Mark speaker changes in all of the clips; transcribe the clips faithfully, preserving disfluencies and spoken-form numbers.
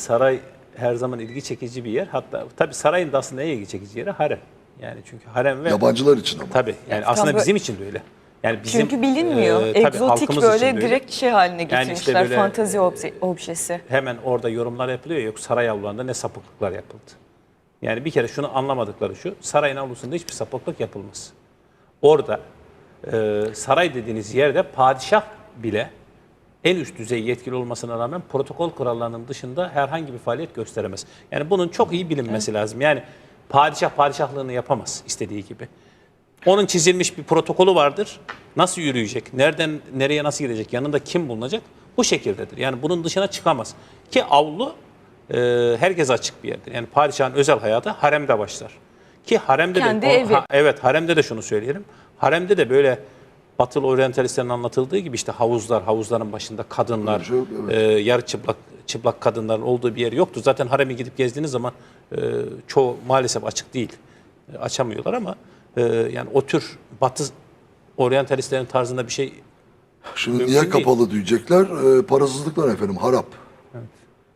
Speaker 1: saray her zaman ilgi çekici bir yer. Hatta tabii sarayın da aslında en ilgi çekici yeri harem. Yani çünkü harem ve
Speaker 2: yabancılar için ama.
Speaker 1: tabii yani
Speaker 3: Ya,
Speaker 1: aslında
Speaker 3: tam
Speaker 1: bizim için de öyle. Yani bizim,
Speaker 3: Çünkü bilinmiyor.
Speaker 1: e, tabii
Speaker 3: Egzotik
Speaker 1: halkımız
Speaker 3: böyle
Speaker 1: için de öyle.
Speaker 3: direkt şey haline
Speaker 1: Yani
Speaker 3: getirmişler.
Speaker 1: işte böyle,
Speaker 3: Fantazi obje, objesi.
Speaker 1: Hemen orada yorumlar yapılıyor. Yok saray avlularında ne sapıklıklar yapıldı. Yani bir kere şunu anlamadıkları şu. Sarayın avlusunda hiçbir sapıklık yapılmaz. Orada e, saray dediğiniz yerde padişah bile en üst düzey yetkili olmasına rağmen protokol kurallarının dışında herhangi bir faaliyet gösteremez. Yani bunun çok iyi bilinmesi evet. lazım. Yani padişah padişahlığını yapamaz istediği gibi. Onun çizilmiş bir protokolü vardır. Nasıl yürüyecek? Nereden nereye nasıl gidecek? Yanında kim bulunacak? Bu şekildedir. Yani bunun dışına çıkamaz. Ki avlu e, herkese açık bir yerdir. Yani padişahın özel hayatı haremde başlar. Ki haremde
Speaker 3: Kendi
Speaker 1: de
Speaker 3: evi.
Speaker 1: ha, evet haremde de şunu söyleyelim. Haremde de böyle Batılı oryantalistlerin anlatıldığı gibi işte havuzlar, havuzların başında kadınlar,
Speaker 2: Çok, evet.
Speaker 1: e, yarı çıplak çıplak kadınların olduğu bir yer yoktu. Zaten hareme gidip gezdiğiniz zaman e, çoğu maalesef açık değil. E, açamıyorlar ama e, yani o tür Batı oryantalistlerin tarzında bir şey.
Speaker 2: Şimdi
Speaker 1: mümkün
Speaker 2: niye
Speaker 1: değil.
Speaker 2: kapalı diyecekler? E, parasızlıklar efendim, harap.
Speaker 1: Evet.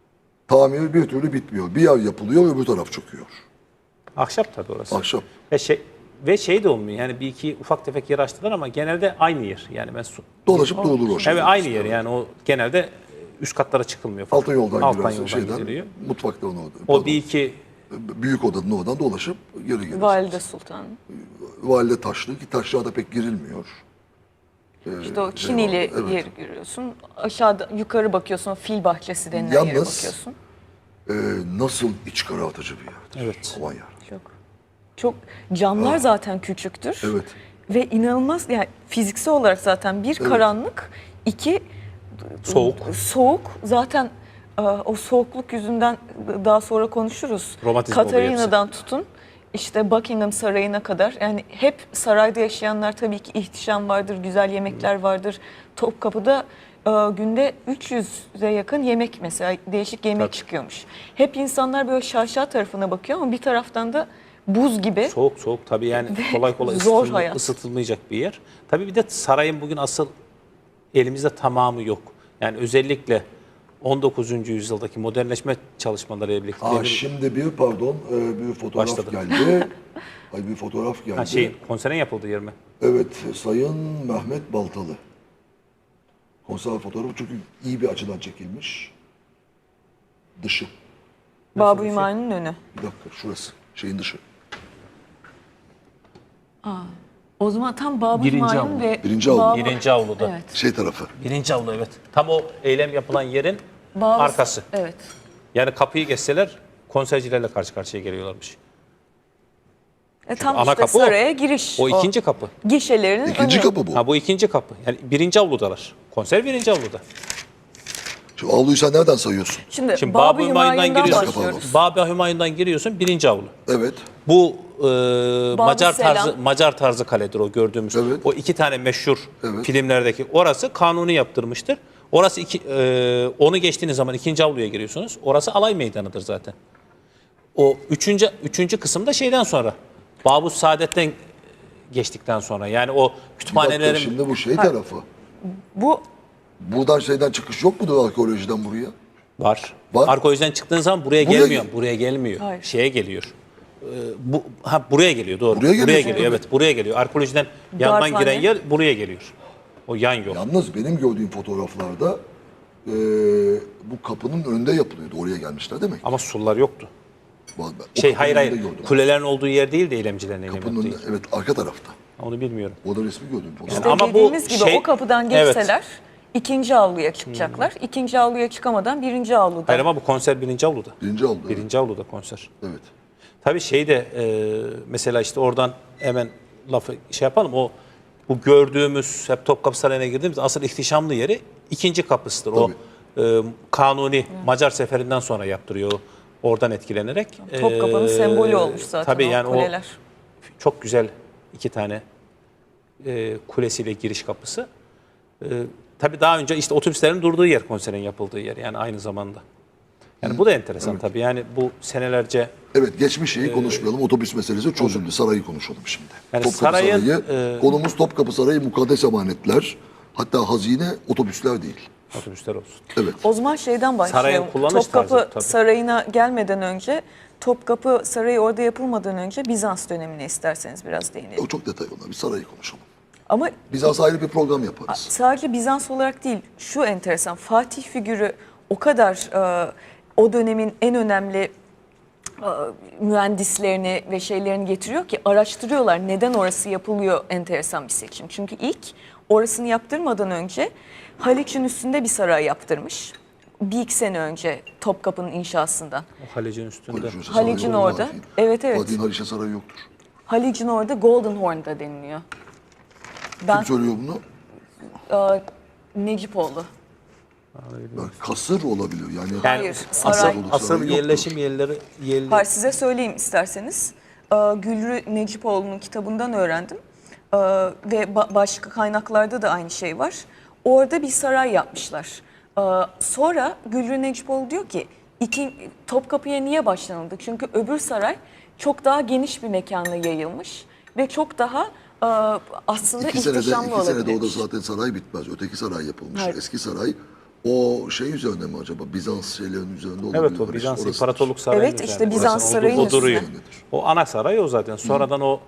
Speaker 2: Tamir bir türlü bitmiyor. Bir yer yapılıyor, öbür taraf çöküyor.
Speaker 1: Ahşap tabii orası.
Speaker 2: Ahşap.
Speaker 1: Ve şey ve şey de olmuyor. Yani bir iki ufak tefek yer açtılar ama genelde aynı yer. Yani ben su,
Speaker 2: Dolaşıp durulur o şey.
Speaker 1: evet aynı yer. Yani o genelde üst katlara çıkılmıyor falan.
Speaker 2: Altın yoldan
Speaker 1: Alttan
Speaker 2: girersin
Speaker 1: yoldan
Speaker 2: şeyden,
Speaker 1: gidiliyor.
Speaker 2: mutfaktan orada.
Speaker 1: O
Speaker 2: Pardon.
Speaker 1: bir iki
Speaker 2: Büyük odanın oradan dolaşıp geri gelirsin.
Speaker 3: Valide Sultan.
Speaker 2: Valide taşlı ki taşlarda pek girilmiyor. Ee,
Speaker 3: İşte o
Speaker 2: şey
Speaker 3: Çinili
Speaker 2: var, evet.
Speaker 3: yeri görüyorsun. Aşağıda yukarı bakıyorsun. Fil bahçesi denilen
Speaker 2: Yalnız-
Speaker 3: yere bakıyorsun.
Speaker 2: Ee, nasıl iç karartıcı bir yerdir.
Speaker 1: Evet.
Speaker 2: Aman ya.
Speaker 3: Çok. Çok camlar zaten küçüktür.
Speaker 2: Evet.
Speaker 3: Ve inanılmaz yani fiziksel olarak zaten bir karanlık, iki
Speaker 1: Soğuk.
Speaker 3: Soğuk. Zaten e, o soğukluk yüzünden daha sonra konuşuruz.
Speaker 1: Romatizma oluyor
Speaker 3: Katarina'dan tutun işte Buckingham Sarayı'na kadar yani hep sarayda yaşayanlar tabii ki ihtişam vardır, güzel yemekler vardır. Topkapı'da e, günde üç yüze yakın yemek mesela değişik yemek
Speaker 1: Tabii.
Speaker 3: çıkıyormuş. Hep insanlar böyle şaşa tarafına bakıyor ama bir taraftan da buz gibi.
Speaker 1: soğuk soğuk tabii yani kolay kolay
Speaker 3: zor
Speaker 1: ısıtılma-
Speaker 3: hayat.
Speaker 1: ısıtılmayacak bir yer. Tabii bir de sarayın bugün asıl elimizde tamamı yok. Yani özellikle on dokuzuncu yüzyıldaki modernleşme çalışmaları birlikte.
Speaker 2: Aa,
Speaker 1: demir-
Speaker 2: şimdi bir pardon e, bir fotoğraf
Speaker 1: Başladı.
Speaker 2: geldi. Ay bir fotoğraf geldi.
Speaker 1: Ha, şey, konserin yapıldığı yer mi?
Speaker 2: Evet, Sayın Mehmet Baltalı. Konser fotoğrafı çünkü iyi bir açıdan çekilmiş. Dışı.
Speaker 3: Babu Hümayun'un önü.
Speaker 2: Bir dakika, şurası. Şeyin dışı.
Speaker 3: O zaman tam Babu
Speaker 1: Birinci
Speaker 3: Hümayun
Speaker 1: avlu.
Speaker 3: ve
Speaker 2: Birinci avlu.
Speaker 3: Babu-
Speaker 1: Birinci avluda.
Speaker 3: Evet.
Speaker 2: Şey tarafı.
Speaker 1: Birinci avlu evet. Tam o eylem yapılan yerin
Speaker 3: Babu-
Speaker 1: arkası.
Speaker 3: Evet.
Speaker 1: Yani kapıyı geçseler konsercilerle karşı karşıya geliyorlarmış.
Speaker 3: E, tam
Speaker 1: ana
Speaker 3: işte
Speaker 1: kapı o.
Speaker 3: saraya giriş.
Speaker 1: O ikinci kapı.
Speaker 3: Gişelerinin
Speaker 2: İkinci
Speaker 3: önü.
Speaker 2: kapı bu.
Speaker 1: Ha bu ikinci kapı. Yani birinci avludalar. Konser birinci avluda.
Speaker 2: Şu avluyu sen nereden sayıyorsun?
Speaker 3: Şimdi,
Speaker 1: Şimdi
Speaker 3: Babu
Speaker 1: Babu Hümayun'dan
Speaker 3: Hümayun'dan
Speaker 1: giriyorsun.
Speaker 3: başlıyoruz.
Speaker 1: Babu Hümayun'dan giriyorsun birinci avlu.
Speaker 2: Evet.
Speaker 1: Bu e, Macar
Speaker 3: Selam.
Speaker 1: tarzı Macar tarzı kaledir o gördüğümüz.
Speaker 2: Evet.
Speaker 1: O iki tane meşhur
Speaker 2: Evet.
Speaker 1: filmlerdeki. Orası Kanuni yaptırmıştır. Orası iki, e, onu geçtiğiniz zaman ikinci avluya giriyorsunuz. Orası alay meydanıdır zaten. O üçüncü üçüncü kısımda şeyden sonra Babus Saadet'ten geçtikten sonra yani o
Speaker 2: Bir dakika,
Speaker 1: kütüphanelerin
Speaker 2: şimdi bu şey tarafı.
Speaker 3: Bu
Speaker 2: Buradan şeyden çıkış yok mudur arkeolojiden buraya?
Speaker 1: var.
Speaker 2: Var.
Speaker 1: Arkeolojiden çıktığın zaman buraya,
Speaker 2: Buraya
Speaker 1: gelmiyor.
Speaker 2: gel-
Speaker 1: Buraya gelmiyor.
Speaker 3: Hayır.
Speaker 1: Şeye geliyor. Ee, bu ha buraya geliyor doğru.
Speaker 2: Buraya geliyor
Speaker 1: geliyor.
Speaker 2: tabii.
Speaker 1: Evet, buraya geliyor. Arkeolojiden yandan
Speaker 3: Darphane.
Speaker 1: giren yer buraya geliyor. O yan yol.
Speaker 2: Yalnız benim gördüğüm fotoğraflarda e, bu kapının önünde yapılıyordu. Oraya gelmişler demek.
Speaker 1: Ama surlar yoktu.
Speaker 2: O
Speaker 1: Şey
Speaker 2: kapının
Speaker 1: hayır
Speaker 2: önünde
Speaker 1: hayır.
Speaker 2: gördüm.
Speaker 1: Kulelerin olduğu yer değil de eylemcilerin eylem
Speaker 2: Kapının
Speaker 1: yaptığı
Speaker 2: önünde,
Speaker 1: yer.
Speaker 2: evet arka tarafta.
Speaker 1: Onu bilmiyorum.
Speaker 2: O da resmi gördüm. fotoğraf.
Speaker 3: işte
Speaker 1: ama bu
Speaker 3: dediğimiz gibi
Speaker 1: şey-
Speaker 3: o kapıdan
Speaker 1: Evet.
Speaker 3: geçseler ikinci avluya çıkacaklar. İkinci avluya çıkamadan birinci avluda.
Speaker 1: Hayır ama bu konser birinci avluda.
Speaker 2: Birinci avlu. Evet.
Speaker 1: Birinci avluda konser.
Speaker 2: evet.
Speaker 1: Tabii şey de e, mesela işte oradan hemen lafı şey yapalım. O bu gördüğümüz hep Topkapı Sarayı'na girdiğimiz asıl ihtişamlı yeri ikinci kapısıdır. O e, Kanuni Macar seferinden sonra yaptırıyor. Oradan etkilenerek.
Speaker 3: Topkapı'nın
Speaker 1: E,
Speaker 3: sembolü olmuş zaten
Speaker 1: tabii
Speaker 3: o
Speaker 1: yani
Speaker 3: kuleler.
Speaker 1: O çok güzel iki tane e, kulesiyle giriş kapısı. E, tabii daha önce işte otobüslerin durduğu yer konserin yapıldığı yer yani aynı zamanda. Yani bu da enteresan tabii. Yani bu senelerce
Speaker 2: Evet, geçmiş şeyi konuşmayalım. Otobüs meselesi çözüldü. Sarayı konuşalım şimdi.
Speaker 1: Yani
Speaker 2: Topkapı
Speaker 1: sarayın,
Speaker 2: Sarayı.
Speaker 1: e,
Speaker 2: Konumuz Topkapı Sarayı, mukaddes emanetler. Hatta hazine otobüsler değil.
Speaker 1: Otobüsler olsun.
Speaker 2: Evet.
Speaker 3: O zaman şeyden başlayalım.
Speaker 1: Sarayın kullanış
Speaker 3: Topkapı
Speaker 1: tarzı, tabii.
Speaker 3: Sarayı'na gelmeden önce, Topkapı Sarayı orada yapılmadan önce Bizans dönemine isterseniz biraz değinelim.
Speaker 2: O çok detay onlar. Bir sarayı konuşalım.
Speaker 3: Ama
Speaker 2: Bizans ayrı bir program yaparız.
Speaker 3: sadece Bizans olarak değil, şu enteresan, Fatih figürü o kadar e, o dönemin en önemli e, mühendislerini ve şeylerini getiriyor ki araştırıyorlar neden orası yapılıyor, enteresan bir seçim. Çünkü ilk orasını yaptırmadan önce Haliç'in üstünde bir saray yaptırmış. Bir iki sene önce Topkapı'nın inşasından.
Speaker 1: O Halic'in üstünde.
Speaker 2: Haliç'in sarayı
Speaker 3: Halic'in
Speaker 2: olmaz
Speaker 3: orada.
Speaker 2: değil.
Speaker 3: Evet, evet.
Speaker 2: Fatih'in Haliç'e sarayı yoktur.
Speaker 3: Halic'in orada Golden Horn'da deniliyor. Ben
Speaker 2: Kim söylüyor bunu?
Speaker 3: e, Necipoğlu.
Speaker 2: Bak, kasır olabiliyor. Yani,
Speaker 1: Yani
Speaker 3: Hayır,
Speaker 1: asıl,
Speaker 3: saray.
Speaker 1: asıl
Speaker 2: Sarayı yoktur.
Speaker 1: yerleşim yerleri yerli.
Speaker 3: Hayır, size söyleyeyim isterseniz. Ee, Gülrü Necipoğlu'nun kitabından öğrendim. Ee, Ve ba- başka kaynaklarda da aynı şey var. Orada bir saray yapmışlar. Ee, Sonra Gülrü Necipoğlu diyor ki, iki, Topkapı'ya niye başlanıldı? Çünkü öbür saray çok daha geniş bir mekana yayılmış ve çok daha e, aslında
Speaker 2: iki senede,
Speaker 3: ihtişamlı
Speaker 2: iki senede
Speaker 3: olabilirmiş.
Speaker 2: o da zaten saray bitmez. Öteki saray yapılmış.
Speaker 3: Evet.
Speaker 2: Eski saray o şey üzerinde mi acaba? Bizans şeylerinin üzerinde olabilir.
Speaker 1: Evet, o
Speaker 2: Haliç
Speaker 1: Bizans
Speaker 2: orasıdır.
Speaker 1: İmparatorluk Sarayı.
Speaker 3: Evet, işte Bizans Sarayı'nın
Speaker 1: o duruyor.
Speaker 3: üstüne.
Speaker 1: O ana saray o zaten. Sonradan o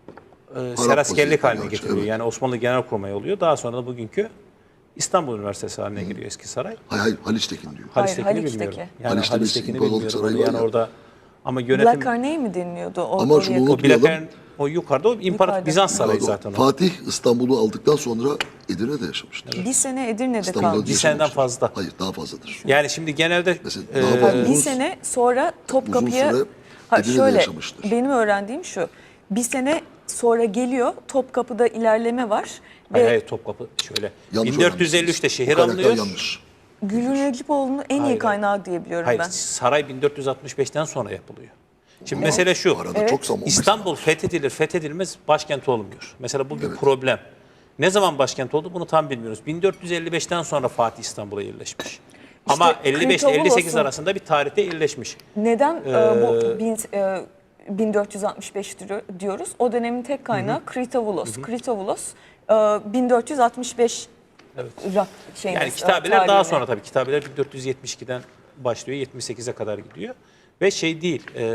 Speaker 1: e, seraskerlik
Speaker 2: vaziyette
Speaker 1: haline
Speaker 2: gerçi,
Speaker 1: getiriyor.
Speaker 2: evet.
Speaker 1: Yani Osmanlı Genelkurmayı oluyor. Daha sonra da bugünkü İstanbul Üniversitesi haline geliyor eski saray.
Speaker 2: Hayır hayır Haliç'tekin diyor.
Speaker 3: Hayır,
Speaker 1: Haliç'tekini
Speaker 3: Haliç'teki.
Speaker 1: bilmiyorum. Yani
Speaker 2: Haliç'te bir
Speaker 1: Haliç'tekini
Speaker 2: İmparatorluk
Speaker 1: bilmiyorum.
Speaker 2: Sarayı
Speaker 1: Onu
Speaker 2: var
Speaker 1: yani
Speaker 2: ya.
Speaker 1: orada ama yönetim
Speaker 3: Black Arnay mi deniliyordu? O,
Speaker 2: Ama
Speaker 3: oraya
Speaker 2: şunu
Speaker 3: yakın.
Speaker 1: o
Speaker 2: unutmayalım.
Speaker 1: Bilakern o yukarıda o İmparator
Speaker 3: Yukarıda.
Speaker 1: Bizans Sarayı
Speaker 2: Pardon,
Speaker 1: zaten o.
Speaker 2: Fatih İstanbul'u aldıktan sonra Edirne'de yaşamıştır.
Speaker 3: Bir sene Edirne'de
Speaker 2: İstanbul'da
Speaker 3: kaldı.
Speaker 1: Bir seneden
Speaker 2: yaşamıştır.
Speaker 1: fazla.
Speaker 2: Hayır daha fazladır.
Speaker 1: Yani şimdi genelde
Speaker 2: Mesela
Speaker 1: e,
Speaker 2: daha fazla.
Speaker 3: Bir
Speaker 2: Uzun-
Speaker 3: sene sonra Topkapı'ya...
Speaker 2: uzun süre
Speaker 3: Ha,
Speaker 2: Edirne'de
Speaker 3: şöyle,
Speaker 2: yaşamıştır.
Speaker 3: benim öğrendiğim şu. Bir sene sonra geliyor, Topkapı'da ilerleme var.
Speaker 1: hayır,
Speaker 3: Ve
Speaker 1: hayır, Topkapı şöyle
Speaker 2: Yanlış
Speaker 1: bin dört yüz elli üçte
Speaker 2: öğrenmişsiniz.
Speaker 1: şehir
Speaker 2: Bu karakter
Speaker 1: alınıyor.
Speaker 2: yanlış.
Speaker 3: Gülün Necipoğlu'nun en iyi
Speaker 1: Hayır,
Speaker 3: kaynağı diye biliyorum
Speaker 1: Hayır,
Speaker 3: ben.
Speaker 1: saray bin dört yüz altmış beşten sonra yapılıyor. Şimdi mesele şu.
Speaker 2: Arada
Speaker 3: Evet.
Speaker 2: çok zaman olmuş.
Speaker 1: İstanbul fethedilir, fethedilmez başkent olmuyor. Mesela bu bir problem. Ne zaman başkent oldu bunu tam bilmiyoruz. bin dört yüz elli beşten sonra Fatih İstanbul'a yerleşmiş. Ama elli beş ile elli sekiz
Speaker 3: Kritovolos'un-
Speaker 1: arasında bir tarihte yerleşmiş.
Speaker 3: Neden
Speaker 1: Ee,
Speaker 3: e, bu bin, e, bin dört yüz altmış beş diyor- diyoruz? O dönemin tek kaynağı Kritovolos. Kritovolos e, bin dört yüz altmış beş rak şeyini,
Speaker 1: Yani
Speaker 3: e,
Speaker 1: kitabeler daha
Speaker 3: tarihini.
Speaker 1: sonra tabii. Kitabeler bin dört yüz yetmiş ikiden başlıyor, yetmiş sekize kadar gidiyor. Ve şey değil, e,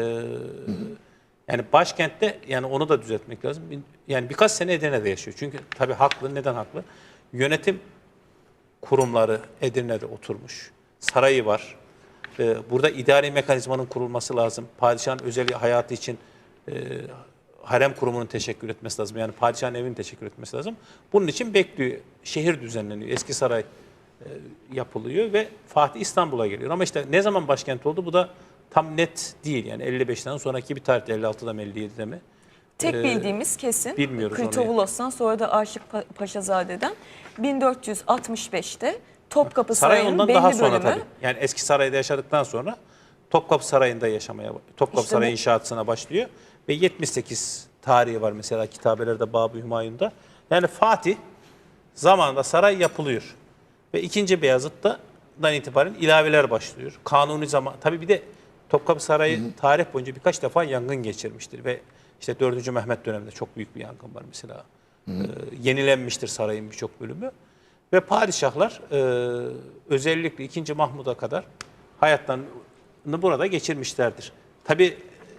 Speaker 1: yani başkentte, yani onu da düzeltmek lazım. Bin- Yani birkaç sene Edirne'de yaşıyor. Çünkü tabii haklı, neden haklı? Yönetim kurumları Edirne'de oturmuş. Sarayı var. E, burada idari mekanizmanın kurulması lazım. Padişahın özel hayatı için e, harem kurumunun teşekkür etmesi lazım. Yani padişahın evinin teşekkür etmesi lazım. Bunun için bekliyor. Şehir düzenleniyor. Eski saray e, yapılıyor ve Fatih İstanbul'a geliyor. Ama işte ne zaman başkent oldu bu da tam net değil. Yani elli beşten sonraki bir tarihte, elli altıda mı elli yedide mi?
Speaker 3: Tek
Speaker 1: Ee,
Speaker 3: bildiğimiz kesin
Speaker 1: bilmiyoruz onu.
Speaker 3: Kritovulos'tan sonra da Aşık Pa- Paşazade'den bin dört yüz altmış beşte Topkapı
Speaker 1: Saray
Speaker 3: Sarayı'nın
Speaker 1: ondan
Speaker 3: belli
Speaker 1: daha sonra
Speaker 3: bölümü.
Speaker 1: tabii. Yani eski sarayda yaşadıktan sonra Topkapı Sarayı'nda yaşamaya, Topkapı
Speaker 3: İşte
Speaker 1: Sarayı
Speaker 3: bu-
Speaker 1: inşaatına başlıyor. Ve yetmiş sekiz tarihi var mesela kitabelerde Bab-ı Hümayun'da. Yani Fatih zamanında saray yapılıyor. Ve ikinci Beyazıt'tan itibaren ilaveler başlıyor. Kanuni zaman, tabii bir de Topkapı Sarayı tarih boyunca birkaç defa yangın geçirmiştir. Ve işte dördüncü Mehmet döneminde çok büyük bir yangın var mesela. Ee, yenilenmiştir sarayın birçok bölümü. Ve padişahlar e, özellikle ikinci Mahmud'a kadar hayatlarını burada geçirmişlerdir. Tabii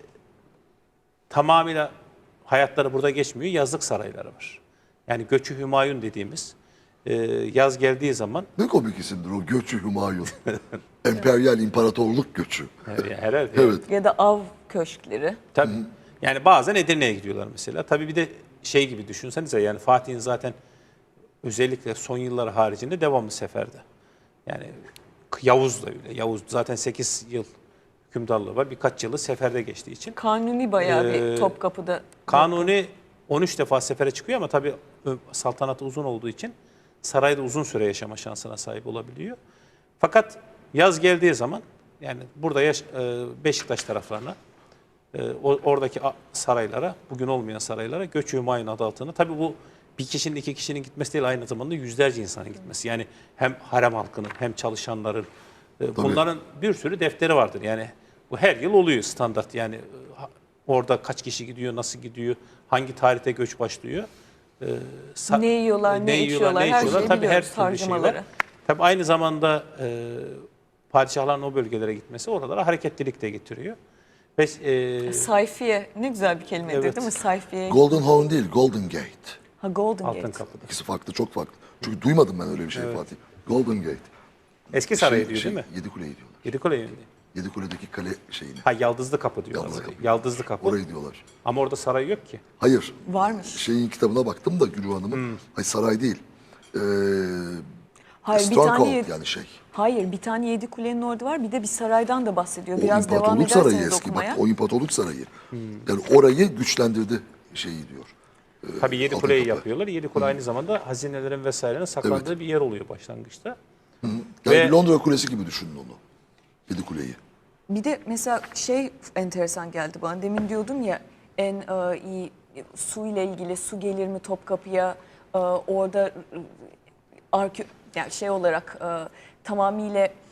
Speaker 1: tamamıyla hayatları burada geçmiyor. Yazlık sarayları var. Yani Göçü Hümayun dediğimiz e, yaz geldiği zaman
Speaker 2: Ne komik isimdir o Göçü Hümayun. Emperyal imparatorluk göçü.
Speaker 1: e, herhalde
Speaker 2: Evet.
Speaker 3: Ya da av köşkleri.
Speaker 1: tabii. Yani bazen Edirne'ye gidiyorlar mesela. Tabii bir de şey gibi düşünsenize, yani Fatih'in zaten özellikle son yılları haricinde devamlı seferde. Yani Yavuz da öyle. Yavuz zaten sekiz yıl hükümdarlığı var. Birkaç yılı seferde geçtiği için.
Speaker 3: Kanuni bayağı
Speaker 1: Ee,
Speaker 3: bir Topkapı'da.
Speaker 1: Kanuni on üç defa sefere çıkıyor ama tabii ö- saltanatı uzun olduğu için sarayda uzun süre yaşama şansına sahip olabiliyor. Fakat yaz geldiği zaman yani burada yaş, e, Beşiktaş taraflarına, e, o- oradaki a- saraylara, bugün olmayan saraylara Göç-ü Hümayun adı altında. Tabii bu bir kişinin, iki kişinin gitmesi değil, aynı zamanda yüzlerce insanın gitmesi. Yani hem harem halkının hem çalışanların, e, bunların bir sürü defteri vardır. Yani bu her yıl oluyor standart. Yani e, ha- orada kaç kişi gidiyor, nasıl gidiyor, hangi tarihte göç başlıyor. e, sa-
Speaker 3: Ne yiyorlar, ne içiyorlar, her şeyi
Speaker 1: Tabii her
Speaker 3: biliyoruz,
Speaker 1: türlü şey var.
Speaker 3: harcamaları.
Speaker 1: Tabii aynı zamanda e, padişahların o bölgelere gitmesi oralara hareketlilik de getiriyor. Ve e,
Speaker 3: Sayfiye ne güzel bir kelimedir
Speaker 1: Evet.
Speaker 3: değil mi? Sayfiye.
Speaker 2: Golden Horn değil, Golden Gate.
Speaker 3: Ha, Golden
Speaker 1: Altın
Speaker 3: Gate.
Speaker 1: Kapı'da.
Speaker 2: İkisi farklı, çok farklı. Çünkü duymadım ben öyle bir şey Fatih. Golden Gate.
Speaker 1: Eski saray
Speaker 2: Şey-
Speaker 1: diyor
Speaker 2: şey,
Speaker 1: değil mi?
Speaker 2: Yedikule'yi diyorlar.
Speaker 1: Yedikule yönünde.
Speaker 2: Yedikule'deki kale şeyini.
Speaker 1: Ha Yaldızlı Kapı diyorlar.
Speaker 2: Yaldızlı
Speaker 1: orayı.
Speaker 2: Kapı.
Speaker 1: Yaldızlı Kapı.
Speaker 2: Orayı diyorlar.
Speaker 1: Ama orada saray yok ki.
Speaker 2: Hayır.
Speaker 3: Varmış.
Speaker 2: Şeyin kitabına baktım da Gülü Hanım'ın.
Speaker 1: Hmm.
Speaker 2: Hayır, saray değil. Ee,
Speaker 3: Hayır bir tane
Speaker 2: Stronghold
Speaker 3: yedi,
Speaker 2: yani şey.
Speaker 3: hayır bir tane yedi kulenin orada var. Bir de bir saraydan da bahsediyor.
Speaker 2: O
Speaker 3: Biraz devam
Speaker 2: İmparatorluk Sarayı
Speaker 3: ederseniz
Speaker 2: eski.
Speaker 3: okumaya.
Speaker 2: Bak, o İmparatorluk Sarayı.
Speaker 1: Hmm.
Speaker 2: Yani orayı güçlendirdi şeyi diyor.
Speaker 1: Tabii yedi
Speaker 2: Altın
Speaker 1: kuleyi
Speaker 2: Kapı.
Speaker 1: yapıyorlar. Yedi kule aynı zamanda hazinelerin vesairenin saklandığı bir yer oluyor başlangıçta.
Speaker 2: Yani
Speaker 1: Ve-
Speaker 2: bir Londra Kulesi gibi düşünün onu. Yedikule'yi.
Speaker 3: Bir de mesela şey enteresan geldi bana. Demin diyordum ya en e, iyi su ile ilgili su gelir mi Topkapı'ya e, orada e, arke, yani şey olarak e, tamamıyla e,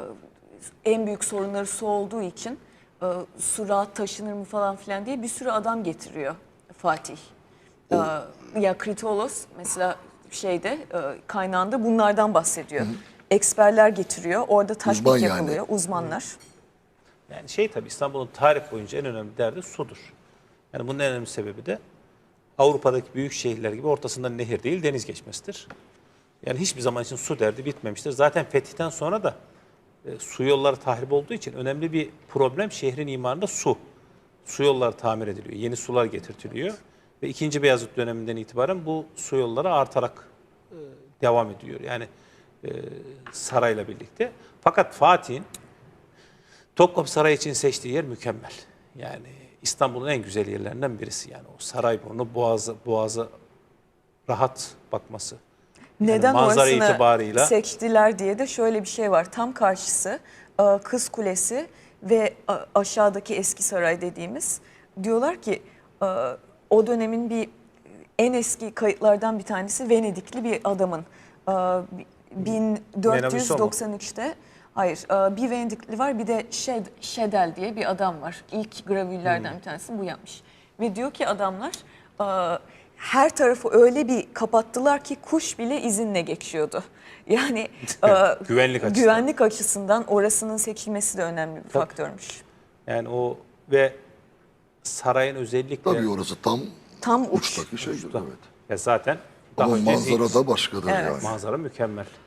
Speaker 3: en büyük sorunları su olduğu için e, su rahat taşınır mı falan filan diye bir sürü adam getiriyor Fatih. E, ya Kritolos mesela şeyde e, kaynağında bunlardan bahsediyor. Eksperler getiriyor. Orada tatbik
Speaker 2: Uzman yani.
Speaker 3: yapılıyor. Uzmanlar.
Speaker 1: Yani şey tabii İstanbul'un tarih boyunca en önemli derdi sudur. Yani bunun en önemli sebebi de Avrupa'daki büyük şehirler gibi ortasından nehir değil deniz geçmesidir. Yani hiçbir zaman için su derdi bitmemiştir. Zaten fetihten sonra da e, su yolları tahrip olduğu için önemli bir problem şehrin imarında su. Su yolları tamir ediliyor, yeni sular getirtiliyor ve ikinci Beyazıt döneminden itibaren bu su yolları artarak e, devam ediyor. Yani e, sarayla birlikte. Fakat Fatih'in Topkapı Sarayı için seçtiği yer mükemmel. Yani İstanbul'un en güzel yerlerinden birisi. Yani o Sarayburnu, Boğazı, Boğazı rahat bakması. Yani
Speaker 3: Neden
Speaker 1: manzara
Speaker 3: orasını
Speaker 1: itibarıyla
Speaker 3: seçtiler diye de şöyle bir şey var. Tam karşısı e, Kız Kulesi ve a- aşağıdaki Eski Saray dediğimiz. Diyorlar ki e, o dönemin bir en eski kayıtlardan bir tanesi Venedikli bir adamın e, bin dört yüz doksan üçte hayır e, bir Venedikli var bir de Şed, Şedel diye bir adam var. İlk gravürlerden bir tanesi bu yapmış. Ve diyor ki adamlar e, her tarafı öyle bir kapattılar ki kuş bile izinle geçiyordu. Yani e,
Speaker 1: Güvenlik açısından.
Speaker 3: güvenlik açısından orasının seçilmesi de önemli bir faktörmüş.
Speaker 1: yani o ve sarayın özellikle
Speaker 2: Tabii orası tam
Speaker 3: Tam uç.
Speaker 2: uçtaki şeydir. Evet.
Speaker 1: ya zaten daha
Speaker 2: Ama
Speaker 1: önce
Speaker 2: manzara da başkadır
Speaker 3: Evet.
Speaker 2: yani.
Speaker 1: manzara mükemmel.